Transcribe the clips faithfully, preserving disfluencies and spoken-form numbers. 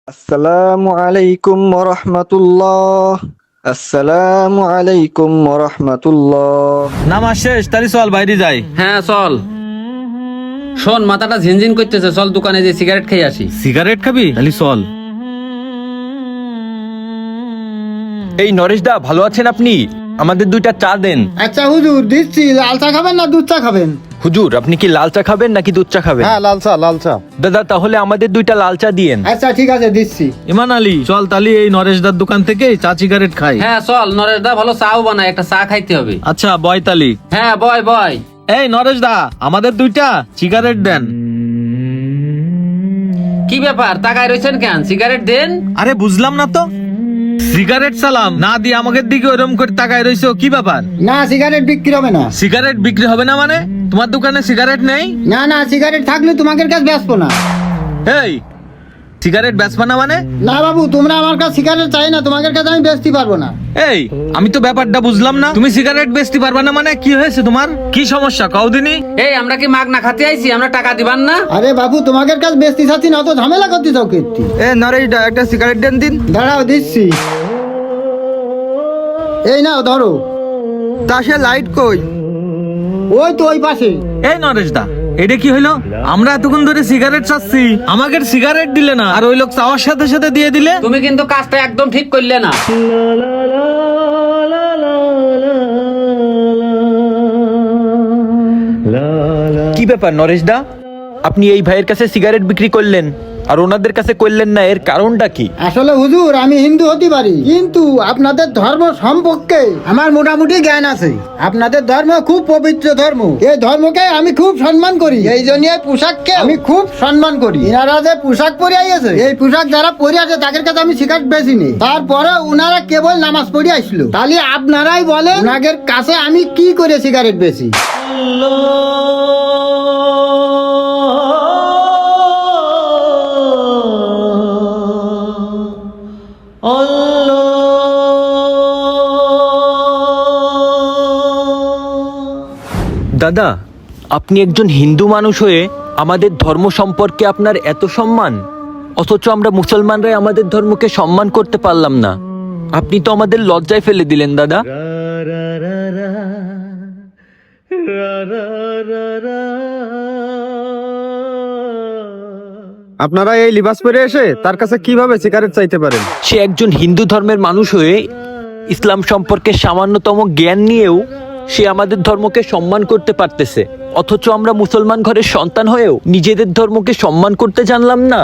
আসসালামু আলাইকুম ওয়া রাহমাতুল্লাহ। আসসালামু আলাইকুম ওয়া রাহমাতুল্লাহ। নামাজ শেষ, তাহলে চল বাইরে যাই। হ্যাঁ চল। শোন, মাথাটা ঝিনঝিন করতেছে, চল দোকানে যে সিগারেট খেয়ে আসি। সিগারেট খাবি? তাহলে চল। এই নরেশ দা, ভালো আছেন আপনি? আমাদের দুইটা চা দেন। আচ্ছা হুজুর দিচ্ছি। লাল চা খাবেন না দুধ চা খাবেন? হুজুর, আপনি কি লাল চা খাবেন নাকি দুধ চা খাবেন? হ্যাঁ লাল চা লাল চা। দাদা, তাহলে আমাদের দুইটা লাল চা দিয়েন। আচ্ছা ঠিক আছে দিচ্ছি। ইমান আলী, চল তাহলে এই নরেশ দার দোকান থেকে চা সিগারেট খাই। হ্যাঁ চল, নরেশ দা ভালো চাও বানায়, একটা চা খাইতে হবে। আচ্ছা বয় তালি। হ্যাঁ বয় বয়। এই নরেশ দা, আমাদের দুইটা সিগারেট দেন। কি ব্যাপার, তাকায় রয়েছেন কেন? সিগারেট দেন। আরে বুঝলাম না তো, সিগারেট সালাম না দিয়ে আমাদের দিকে ওরকম করে তাকায় রইছো, কি ব্যাপার? না সিগারেট বিক্রি হবে না। সিগারেট বিক্রি হবে না মানে? তোমার দোকানে সিগারেট নেই? না না সিগারেট থাকলে তোমাদের কাছে বেচবো না। এই সিগারেট বেচবা না মানে? না বাবু, তোমরা আমার কাছে সিগারেট চাই না, তোমাদের কাছে আমি বেচতে পারবো না। এই আমি তো ব্যাপারটা বুঝলাম না। তুমি সিগারেট বেচতে পারবা না মানে? কি হয়েছে তোমার? কি সমস্যা কও দিনি? এই আমরা কি মাগ না খাতে আইছি? আমরা টাকা দিবান না? আরে বাবু, তোমাদের কাছে বেচতে চাচ্ছি না, অত ঝামেলা করতে চাও কীর্তি। এ নরেশ দা, একটা সিগারেট দেন দিন। দাঁড়াও দিচ্ছি। এই নাও ধরো। তা সে লাইট কই? ওই তো ওই পাশে। এই নরেশ দা, এটা কি হইলো? আমরা এতক্ষণ ধরে সিগারেট চাচ্ছি, আমাকে সিগারেট দিলে না, আর ওই লোক চাওয়ার সাথে সাথে দিয়ে দিলে। তুমি কিন্তু কাজটা একদম ঠিক করলে না। কি ব্যাপার নরেশ দা, আপনি এই ভাইয়ের কাছে সিগারেট বিক্রি করলেন আর ওনাদের কাছে করলেন না, এর কারণটা কি? আসলে হুজুর, আমি হিন্দু হতে পারি, কিন্তু আপনাদের ধর্ম সম্পর্কে আমার মোটামুটি জ্ঞান আছে। আপনাদের ধর্ম খুব পবিত্র ধর্ম, এই ধর্মকে আমি খুব সম্মান করি। এই জন্য এই পোশাককে আমি খুব সম্মান করি। এনারা যে পোশাক পরে আইছে, এই পোশাক যারা পরে আছে তাদের কাছে আমি সিগারেট বেশি নেই। তারপরে উনারা কেবল নামাজ পড়ে আসলো। তাহলে আপনারাই বলেন, ওনাদের কাছে আমি কি করে সিগারেট বেশি? দাদা, আপনি একজন হিন্দু মানুষ হয়ে আমাদের ধর্ম সম্পর্কে আপনার এত সম্মান, অথচ আমরা মুসলমানরাই আমাদের ধর্মকে সম্মান করতে পারলাম না। আপনি তো আমাদের লজ্জায় ফেলে দিলেন দাদা। আপনারা এই লিবাস পরে এসে তার কাছে কিভাবে সিগারেট চাইতে পারেন? সে একজন হিন্দু ধর্মের মানুষ হয়ে ইসলাম সম্পর্কে সামান্যতম জ্ঞান নিয়েও সে আমাদের ধর্মকে সম্মান করতে পারতেছে, অথচ আমরা মুসলমান ঘরের সন্তান হয়েও নিজেদের ধর্মকে সম্মান করতে জানলাম না।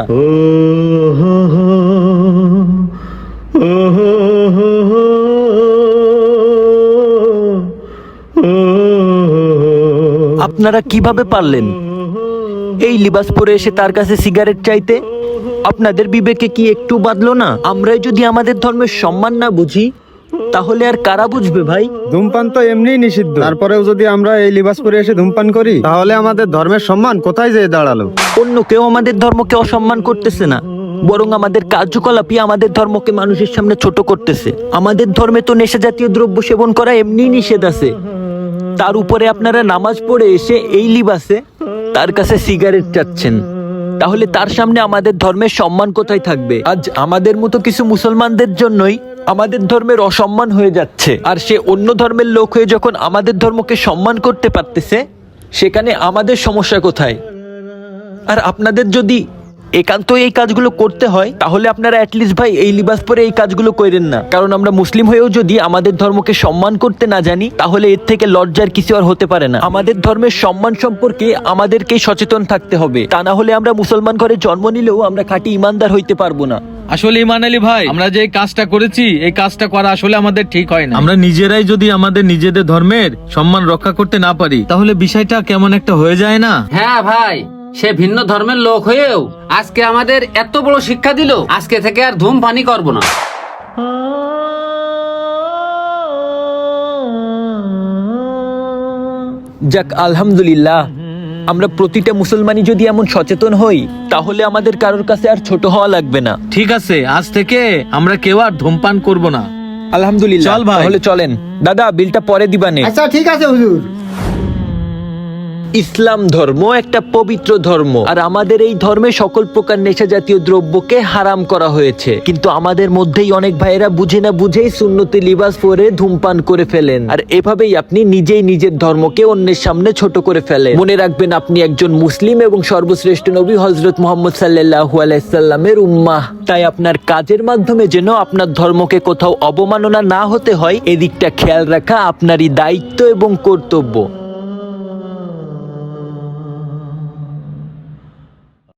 আপনারা কিভাবে পারলেন এই লিবাস পরে এসে তার কাছে সিগারেট চাইতে? আপনাদের বিবেকে কি একটু বাঁধলো না? আমরাই যদি আমাদের ধর্মের সম্মান না বুঝি, তাহলে আর কারা বুঝবে ভাই? ধূমপান তো এমনিই নিষিদ্ধ, তারপরেও যদি আমরা এই লিবাস পরে এসে ধূমপান করি, তাহলে আমাদের ধর্মের সম্মান কোথায় যেয়ে দাঁড়ালো? অন্য কেউ আমাদের ধর্মকে অসম্মান করতেছে না, বরং আমাদের কার্যকলাপই আমাদের ধর্মকে মানুষের সামনে ছোট করতেছে। আমাদের ধর্মে তো নেশা জাতীয় দ্রব্য সেবন করা এমনি নিষেধ আছে, তার উপরে আপনারা নামাজ পড়ে এসে এই লিবাসে তার কাছে সিগারেট চাচ্ছেন, তাহলে তার সামনে আমাদের ধর্মের সম্মান কোথায় থাকবে? আজ আমাদের মতো কিছু মুসলমানদের জন্যই আমাদের ধর্মের অসম্মান হয়ে যাচ্ছে, আর সে অন্য ধর্মের লোক হয়ে যখন আমাদের ধর্মকে সম্মান করতে পারতেছে, সেখানে আমাদের সমস্যা কোথায়? আর আপনাদের যদি একান্ত এই কাজগুলো করতে হয়, তাহলে আপনারা অ্যাটলিস্ট ভাই এই লিবাস পরে এই কাজগুলো করেন না। কারণ আমরা মুসলিম হয়েও যদি আমাদের ধর্মকে সম্মান করতে না জানি, তাহলে এর থেকে লজ্জার কিছু আর হতে পারে না। আমাদের ধর্মের সম্মান সম্পর্কে আমাদেরকেই সচেতন থাকতে হবে, তা না হলে আমরা মুসলমান ঘরে জন্ম নিলেও আমরা খাঁটি ইমানদার হইতে পারবো না। আসলে ইমান আলী ভাই, আমরা যে কাজটা করেছি, এই কাজটা করা আসলে আমাদের ঠিক হয় না। আমরা নিজেরাই যদি আমাদের নিজেদের ধর্মের সম্মান রক্ষা করতে না পারি, তাহলে বিষয়টা কেমন একটা হয়ে যায় না? হ্যাঁ ভাই, সে ভিন্ন ধর্মের লোক হয়েও আজকে আমাদের এত বড় শিক্ষা দিল, আজকে থেকে আর ধূমপানি করব না। যাক, আলহামদুলিল্লাহ, আমরা প্রতিটা মুসলমানই যদি এমন সচেতন হই, তাহলে আমাদের কারোর কাছে আর ছোট হওয়া লাগবে না। ঠিক আছে, আজ থেকে আমরা কেউ আর ধূমপান করব না। আলহামদুলিল্লাহ। চল ভাই। তাহলে চলেন দাদা, বিলটা পরে দিবানে। আচ্ছা ঠিক আছে হুজুর। ইসলাম ধর্ম একটা পবিত্র ধর্ম, আর আমাদের এই ধর্মে সকল প্রকার নেশা জাতীয় দ্রব্যকে হারাম করা হয়েছে। কিন্তু আমাদের মধ্যেই অনেক ভাইয়েরা বুঝে না বুঝেই সুন্নতি লিবাস পরে ধূমপান করে ফেলেন, আর এভাবেই আপনি নিজেই নিজের ধর্মকে অন্যের সামনে ছোট করে ফেলেন। মনে রাখবেন, আপনি একজন মুসলিম এবং সর্বশ্রেষ্ঠ নবী হযরত মুহাম্মদ সাল্লাল্লাহু আলাইহি সাল্লামের উম্মাহ। তাই আপনার কাজের মাধ্যমে যেন আপনার ধর্মকে কোথাও অবমাননা না হতে হয়, এদিকটা খেয়াল রাখা আপনারই দায়িত্ব এবং কর্তব্য।